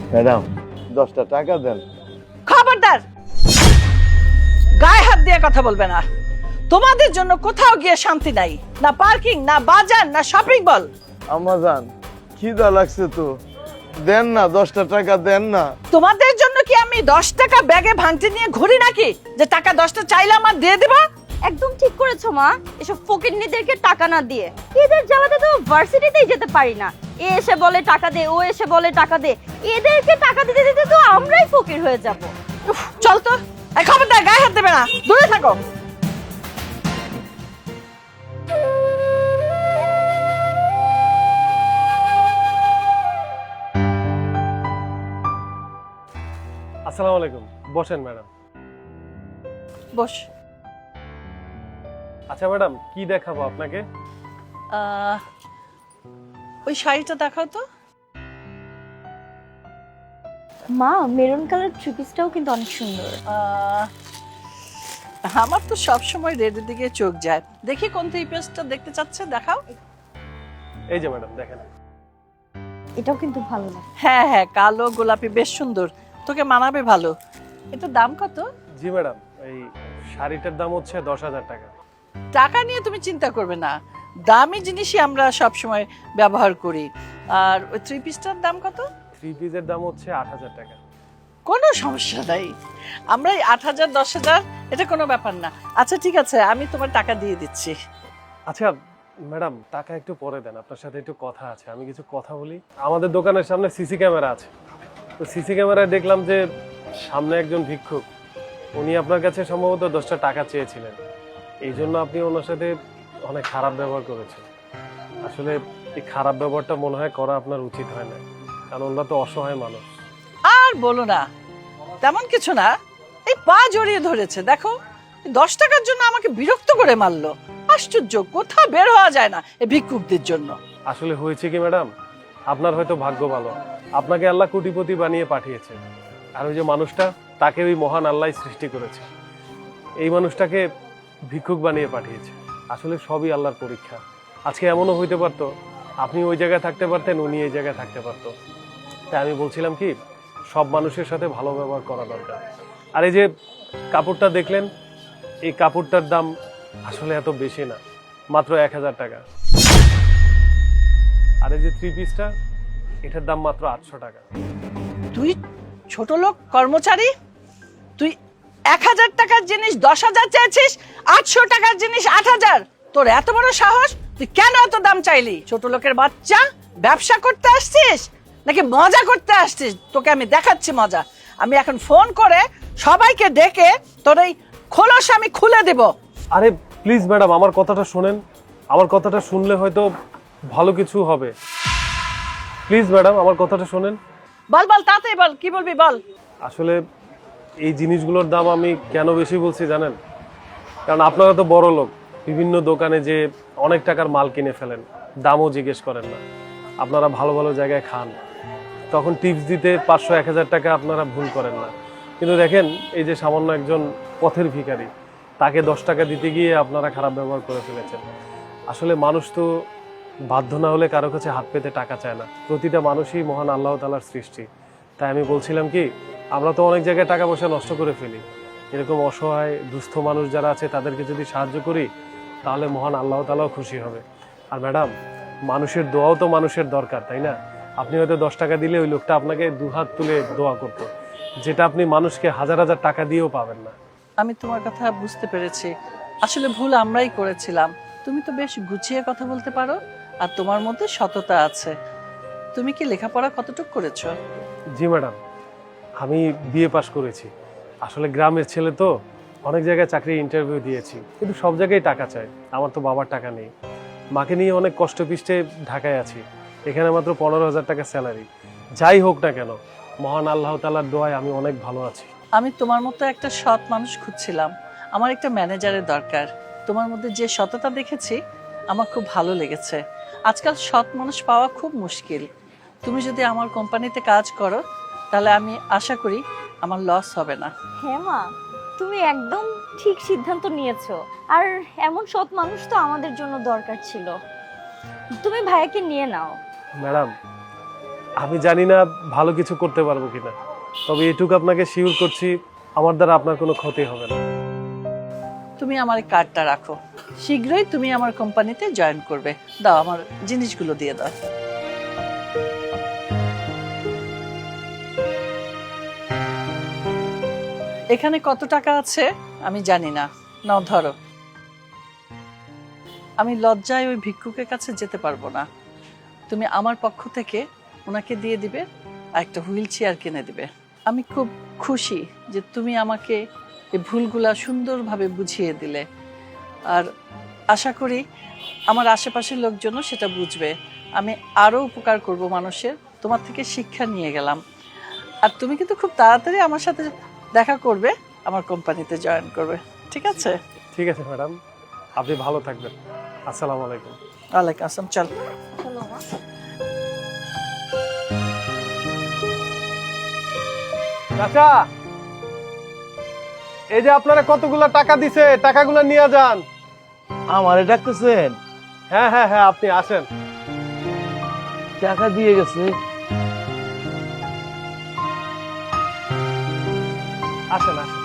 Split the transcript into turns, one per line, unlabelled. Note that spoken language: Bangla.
ম্যাডাম 10টা টাকা দেন।
খবরদার, গায়ে হাত দিয়ে কথা বলবে না। তোমাদের জন্য কোথাও গিয়ে শান্তি নাই, না পার্কিং, না বাজার, না শপিং মল।
আম্মা জান খিদা লাগছে তো, দেন না 10টা টাকা দেন না।
তোমাদের জন্য কি আমি 10 টাকা ব্যাগে ভাঙতে নিয়ে ঘুরি নাকি যে টাকা 10টা চাইলে আমার দিয়ে দেবা?
একদম ঠিক করেছো মা, এসব ফকিন্নিদেরকে টাকা না দিয়ে এদের জ্বালাতে তো ভার্সিটিতেই যেতে পারি না। এ এসে বলে টাকা দে, ও এসে বলে টাকা দে, এদেরকে টাকা দিতে দিতে তো আমরাই ফকির হয়ে যাব।
উফ, চল তো। এই খবরদার, গায়ে হাত দেবে না, দূরে থাকো।
আসসালামু আলাইকুম, বসেন ম্যাডাম।
বস।
আচ্ছা ম্যাডাম, কি দেখাবো আপনাকে?
ওই শাড়িটা দেখাও তো।
মা, মেরুন কালার থ্রি পিসটাও কিন্তু অনেক সুন্দর।
আমার তো সব সময় রেডের দিকে চোখ যায়, দেখি কোন থ্রি পিসটা দেখতে চাচ্ছে, দেখাও।
এই যে ম্যাডাম দেখেন।
এটাও কিন্তু ভালো না।
হ্যাঁ হ্যাঁ, কালো গোলাপি বেশ সুন্দর, তোকে মানাবে ভালো। এটার দাম কত?
জি ম্যাডাম, এই শাড়িটার দাম হচ্ছে 10,000 টাকা।
টাকা নিয়ে তুমি চিন্তা করবে না, দামি জিনিসই আমরা সব সময় ব্যবহার করি। আর ওই থ্রি পিসটার দাম কত?
থ্রি পিসের দাম হচ্ছে 8,000 টাকা।
কোনো সমস্যা নাই, আমরা এই 8,000 10,000 এটা কোনো ব্যাপার না। আচ্ছা ঠিক আছে, আমি তোমার টাকা দিয়ে দিচ্ছি।
আচ্ছা ম্যাডাম, টাকা একটু পরে দেন, আপনার সাথে একটু কথা আছে, আমি কিছু কথা বলি। আমাদের দোকানের সামনে সিসি ক্যামেরা আছে, তো সিসি ক্যামেরায় দেখলাম যে সামনে একজন ভিক্ষুক, উনি আপনার কাছে সম্ভবত 10টা টাকা চেয়েছিলেন, এই জন্য আপনি ওনার সাথে অনেক খারাপ ব্যবহার করেছেন। আসলে এই খারাপ ব্যবহারটা মনে হয় করা আপনার উচিত হয় না, কারণ ওনারা তো অসহায় মানুষ।
আর বলো না, তেমন কিছু না, এই পা জড়িয়ে ধরেছে দেখো, 10 টাকার জন্য আমাকে বিরক্ত করে মারলো। আশ্চর্য, কোথাও বের হওয়া যায় না এই ভিক্ষুকদের জন্য।
আসলে হয়েছে কি ম্যাডাম, আপনার হয়তো ভাগ্য ভালো, আপনাকে আল্লাহ কোটিপতি বানিয়ে পাঠিয়েছে, আর ওই যে মানুষটা, তাকে ওই মহান আল্লাহ সৃষ্টি করেছে, এই মানুষটাকে ভিক্ষুক বানিয়ে পাঠিয়েছে। আসলে সবই আল্লাহর পরীক্ষা। আজকে এমনও হইতে পারতো আপনি ওই জায়গায় থাকতে পারতেন, উনি এই জায়গায় থাকতে পারতো। তাই আমি বলছিলাম কি, সব মানুষের সাথে ভালো ব্যবহার করা দরকার। আর এই যে কাপড়টা দেখলেন, এই কাপড়টার দাম আসলে এত বেশি না, মাত্র 1,000 টাকা। আর এই যে থ্রি পিসটা, এটার দাম মাত্র 800 টাকা।
তুই ছোট লোক কর্মচারী, তুই 1,000 টাকার জিনিস 10,000 চেয়েছিস, 800 টাকার জিনিস 8,000। তোর এত বড় সাহস, তুই কেন এত দাম চাইলি? ছোট লোকের বাচ্চা, ব্যবসা করতে আসছিস নাকি মজা করতে আসছিস? তোকে আমি দেখাচ্ছি মজা। আমি এখন ফোন করে সবাইকে ডেকে তোর এই খোলস আমি খুলে দেব।
আরে প্লিজ ম্যাডাম, আমার কথাটা শোনেন, আমার কথাটা শুনলে হয়তো ভালো কিছু হবে। প্লিজ ম্যাডাম, আমার কথাটা শোনেন।
বল বল, তাড়াতাড়ি বল, কি বলবি বল।
আসলে এই জিনিসগুলোর দাম আমি কেন বেশি বলছি জানেন? কারণ আপনারা তো বড় লোক, বিভিন্ন দোকানে যে অনেক টাকার মাল কিনে ফেলেন, দামও জিজ্ঞেস করেন না। আপনারা ভালো ভালো জায়গায় খান, তখন টিপস দিতে 500-1,000 টাকা আপনারা ভুল করেন না। কিন্তু দেখেন, এই যে সামান্য একজন পথের ভিখারি, তাকে 10 টাকা দিতে গিয়ে আপনারা খারাপ ব্যবহার করে ফেলেছেন। আসলে মানুষ তো বাধ্য না হলে কারো কাছে হাত পেতে টাকা চায় না। প্রতিটা মানুষই মহান আল্লাহ তাআলার সৃষ্টি। তাই আমি বলছিলাম কি, আমরা তো অনেক জায়গায় টাকা পয়সা নষ্ট করে ফেলি, এরকম অসহায় দুস্থ মানুষ যারা আছে তাদেরকে যদি সাহায্য করি, তাহলে মহান আল্লাহ তাআলাও খুশি হবে। আর ম্যাডাম, মানুষের দোয়াও তো মানুষের দরকার, তাই না? আপনি হয়তো 10 টাকা দিলে ওই লোকটা আপনাকে দুহাত তুলে দোয়া করতো, যেটা আপনি মানুষকে হাজার হাজার টাকা দিয়েও পাবেন না।
আমি তোমার কথা বুঝতে পেরেছি, আসলে ভুল আমরাই করেছিলাম। তুমি তো বেশ গুছিয়ে কথা বলতে পারো, আর তোমার মধ্যে সততা আছে। তুমি কি লেখাপড়া কতটুকু করেছো?
জি ম্যাডাম, আমি বিএ পাশ করেছি। আসলে গ্রামের ছেলে তো, অনেক জায়গায় চাকরির ইন্টারভিউ দিয়েছি, কিন্তু সব জায়গায় টাকা চাই। আমার তো বাবার টাকা নেই, মাকে নিয়ে অনেক কষ্ট পিষ্টে ঢাকায় আছি। এখানে মাত্র 15,000 টাকা স্যালারি। যাই হোক না কেন, মহান আল্লাহ তাআলার দোয়ায় আমি অনেক ভালো আছি।
আমি তোমার মতো একটা সৎ মানুষ খুঁজছিলাম, আমার একটা ম্যানেজারের দরকার। তোমার মধ্যে যে সততা দেখেছি আমার খুব ভালো লেগেছে। আজকাল সৎ মানুষ পাওয়া খুব মুশকিল। তুমি যদি আমার কোম্পানিতে কাজ করো, তাহলে আমি আশা করি আমার লস হবে না।
হ্যাঁ মা, তুমি একদম ঠিক সিদ্ধান্ত নিয়েছো। আর এমন সৎ মানুষ তো আমাদের জন্য দরকার ছিল। তুমি ভাইয়াকে নিয়ে নাও।
ম্যাডাম, আমি জানি না ভালো কিছু করতে পারবো কিনা, তবে এটুকু আপনাকে শিওর করছি, আমার দ্বারা আপনার কোনো ক্ষতি হবে না।
তুমি আমার এই কার্ডটা রাখো, শীঘ্রই তুমি আমার কোম্পানিতে জয়েন করবে। দাও, আমার জিনিসগুলো দিয়ে দাও। এখানে কত টাকা আছে আমি জানি না, নাও ধরো। আমি লজ্জায় ওই ভিক্ষুকের কাছে যেতে পারবো না, তুমি আমার পক্ষ থেকে ওনাকে দিয়ে দিবে আর একটা হুইল চেয়ার কিনে দিবে। আমি খুব খুশি যে তুমি আমাকে এই ভুলগুলা সুন্দরভাবে বুঝিয়ে দিলে, আর আশা করি আমার আশেপাশের লোকজনও সেটা বুঝবে। আমি আরও উপকার করব মানুষের, তোমার থেকে শিক্ষা নিয়ে গেলাম। আর তুমি কিন্তু খুব তাড়াতাড়ি আমার সাথে দেখা করবে, আমার কোম্পানিতে জয়েন করবে, ঠিক আছে?
ঠিক আছে ম্যাডাম, আপনি ভালো থাকবেন। আসসালামু আলাইকুম।
ওয়ালাইকুম আসসালাম। চল।
চাচা, এই যে আপনারা কতগুলো টাকা দিছে, টাকাগুলো নিয়ে যান।
আমারে ডাকতেছেন?
হ্যাঁ হ্যাঁ হ্যাঁ, আপনি আসেন।
টাকা দিয়ে গেছে?
আসেন আসেন।